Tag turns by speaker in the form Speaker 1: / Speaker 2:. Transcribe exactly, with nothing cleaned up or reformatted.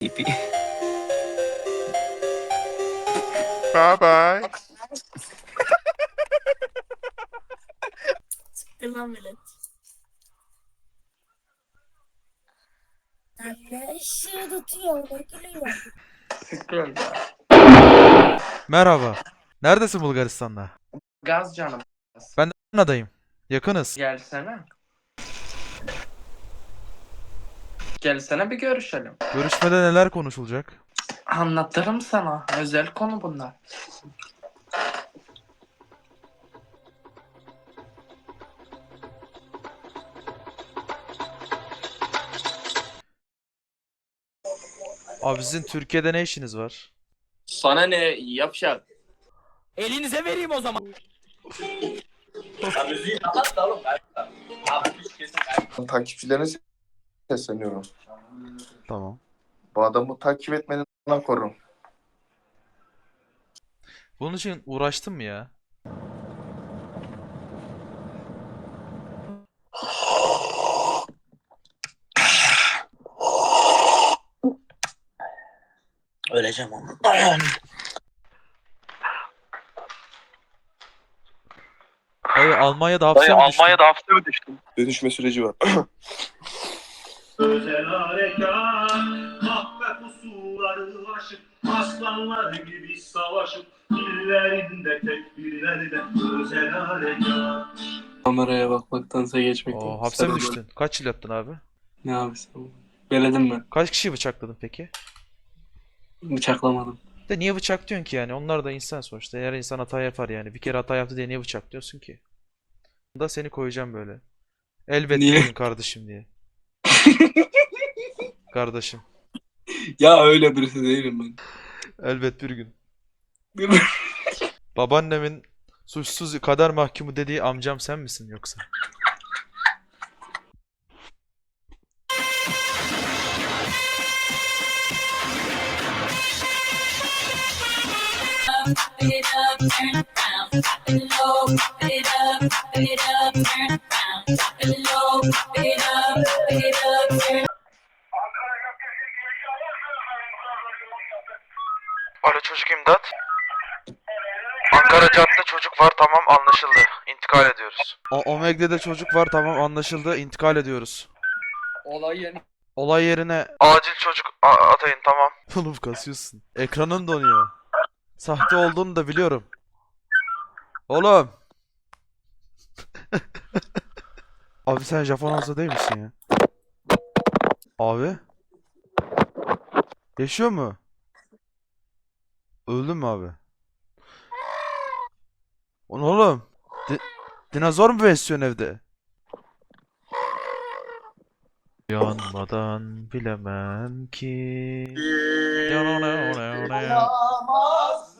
Speaker 1: Pipi.
Speaker 2: Bye bye.
Speaker 3: Siktir lan velet. Anne ışığı tutuyor, ne gülüyor?
Speaker 4: Sıkıyorum.
Speaker 2: Merhaba. Neredesin Bulgaristan'da?
Speaker 4: Gaz canım.
Speaker 2: Ben de Adana'dayım. Yakınız.
Speaker 4: Gelsene. Gelsene bir görüşelim.
Speaker 2: Görüşmede neler konuşulacak?
Speaker 4: Anlatırım sana. Özel konu bunlar.
Speaker 2: Abi sizin Türkiye'de ne işiniz var?
Speaker 5: Sana ne yapacak?
Speaker 1: Elinize vereyim o zaman.
Speaker 5: Ya müziği kapat da oğlum. Abi müzik kesin kaybı.
Speaker 6: Takipçilerine sesleniyorum.
Speaker 2: Tamam.
Speaker 6: Bu adamı takip etmeden korun.
Speaker 2: Bunun için uğraştın mı ya?
Speaker 1: Öleceğim ama.
Speaker 2: Dayı Almanya'da hapse mi düştün?
Speaker 5: hapse mi düştün?
Speaker 6: Dönüşme süreci var.
Speaker 7: Özel harekat, mahve pusuları aşıp, aslanlar gibi savaşıp, dillerinde tekbirlerle özel harekat.
Speaker 4: Kameraya bakmaktansa geçmekten.
Speaker 2: Oo, hapse mi düştün? Kaç yıl yattın abi?
Speaker 4: Ne abi sen? Beledim ben.
Speaker 2: Kaç kişiyi bıçakladın peki?
Speaker 4: Bıçaklamadım.
Speaker 2: De niye bıçak diyorsun ki yani? Onlar da insan sonuçta. Eğer insan hata yapar yani. Bir kere hata yaptı diye niye bıçak diyorsun ki? Da seni koyacağım böyle. Elbet
Speaker 4: Niye?
Speaker 2: bir gün kardeşim diye. Kardeşim.
Speaker 4: Ya öyle birisi değilim ben.
Speaker 2: Elbet bir gün. Babaannemin suçsuz kader mahkumu dediği amcam sen misin yoksa?
Speaker 3: Pop it up, turn around, pop it low, pop it up, pop it up, turn around, pop it low, pop it up, pop it up, turn.
Speaker 2: Alo çocuk imdat. Ankara Cadde çocuk var tamam anlaşıldı. İntikal ediyoruz. O Omegle'de çocuk var tamam anlaşıldı. İntikal ediyoruz.
Speaker 4: Olay yeni.
Speaker 2: Olay yerine acil çocuk atayın tamam. Oğlum kasıyorsun. Ekranın donuyor. Sahte olduğunu da biliyorum. Oğlum. Abi sen Japon olsa değil misin ya? Abi. Yaşıyor mu? Öldün mü abi? O ne oğlum? Di- dinozor mu besliyorsun evde? Yanmadan bilemem ki.
Speaker 4: Olamaz